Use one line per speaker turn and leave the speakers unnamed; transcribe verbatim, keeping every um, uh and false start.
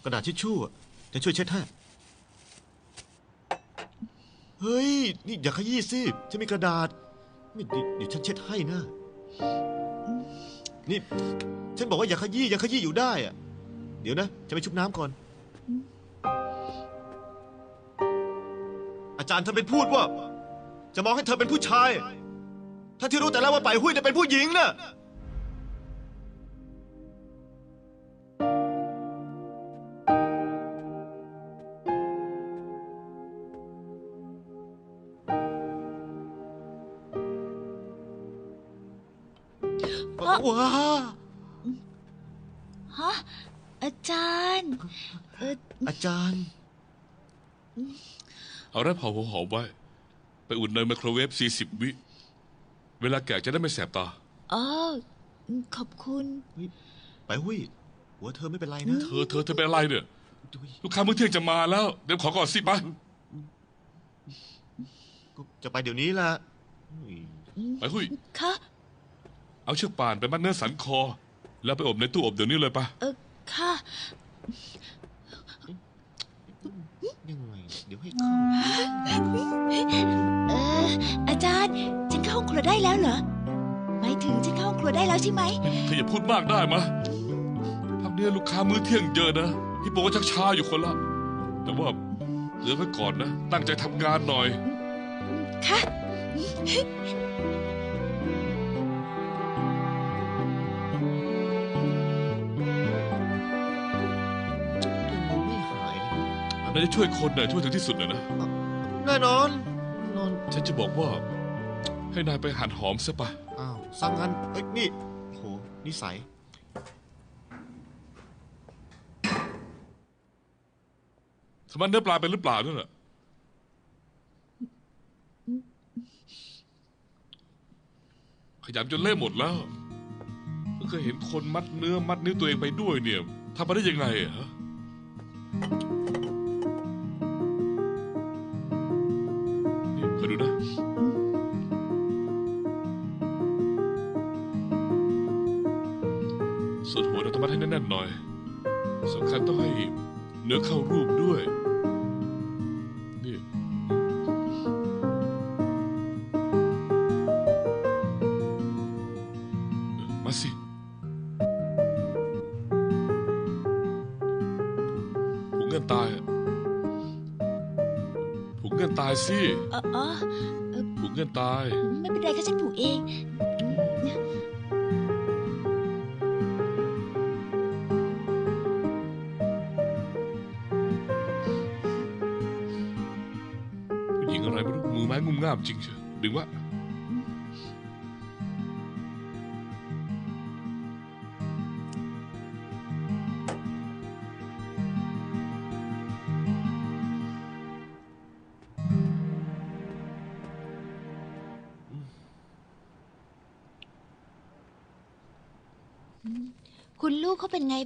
กระดาษทิชชู่จะช่วยเช็ดให้เฮ้ยนี่อย่าขยี้สิฉันมีกระดาษไม่เดี๋ยวฉันเช็ดให้นะนี่ฉันบอกว่าอย่าขยี้อย่าขยี้อยู่ได้อะเดี๋ยวนะจะไปชุบน้ำก่อนอาจารย์ท่านเป็นพูดว่าจะมองให้เธอเป็นผู้ชายท่านที่รู้แต่แล้วว่าไปหุ้ยเนี่ยเป็นผู้หญิงน่ะว้า
ฮะอาจารย์เออ
อาจารย์
เอาแร่เผาหัวหอมไว้ไปอุ่นในไมโครเวฟสี่สิบวิเวลาแกะจะได้ไม่แสบตา
อ๋อขอบคุณ
ไปหุ้ยหัวเธอไม่เป็นไรนะ
เธอเธอเธอเป็นอะไรเนี่ยลูกค้ามื้อเที่ยงจะมาแล้วเดี๋ยวขอก่อนสิไป
จะไปเดี๋ยวนี้ละ
ไปหุ้ย
ค่ะ
เอาเชือกป่านไปมัดเนื้อสันคอแล้วไปอบในตู้อบเดี๋ยวนี้เลยปะ
เออค่ะ
ยังไงเดี๋ยวให้เข้า
เอออาจารย์ฉันเข้าห้องครัวได้แล้วเหรอหมายถึงฉันเข้าห้องครัวได้แล้วใช่ไหม
เธออย่าพูดมากได้มะพักเนี้ยลูกค้ามื้อเที่ยงเยอะนะพี่โปก็ชักช้าอยู่คนละแต่ว่าเหลือไว้ก่อนนะตั้งใจทำงานหน่อย
ค่ะ
นายจะช่วยคนนะช่วยถึงที่สุดเลยนะ
แน่นอนนอน
ฉันจะบอกว่าให้นายไปหั่นหอมซะปะ
อ้าวสั่งงั้นเอ้ยนี่โหนิสัย
ทำมันเนื้อปลาเป็นหรือเปล่านั่นแหละขยำจนเละหมดแล้วเพิ่งเคยเห็นคนมัดเนื้อมัดนิ้วตัวเองไปด้วยเนี่ยทำมาได้ยังไงอะฮะคอยดูนะส่วนหัวเราต้องมัดให้แน่นๆหน่อยสำคัญต้องให้เนื้อเข้ารูปด้วยนี่มาสิผูกเงินตายผูกเงินตายสิ
อ๋อ
ผูกเงินตาย
ไม่เป็นไรค่ะฉันผูกเอง
ผู้หญิงอะไรไม่รู้มือไม้งุ่มง่ามจริงเชียวดึงวะ
คุณลูกเขาเป็นไง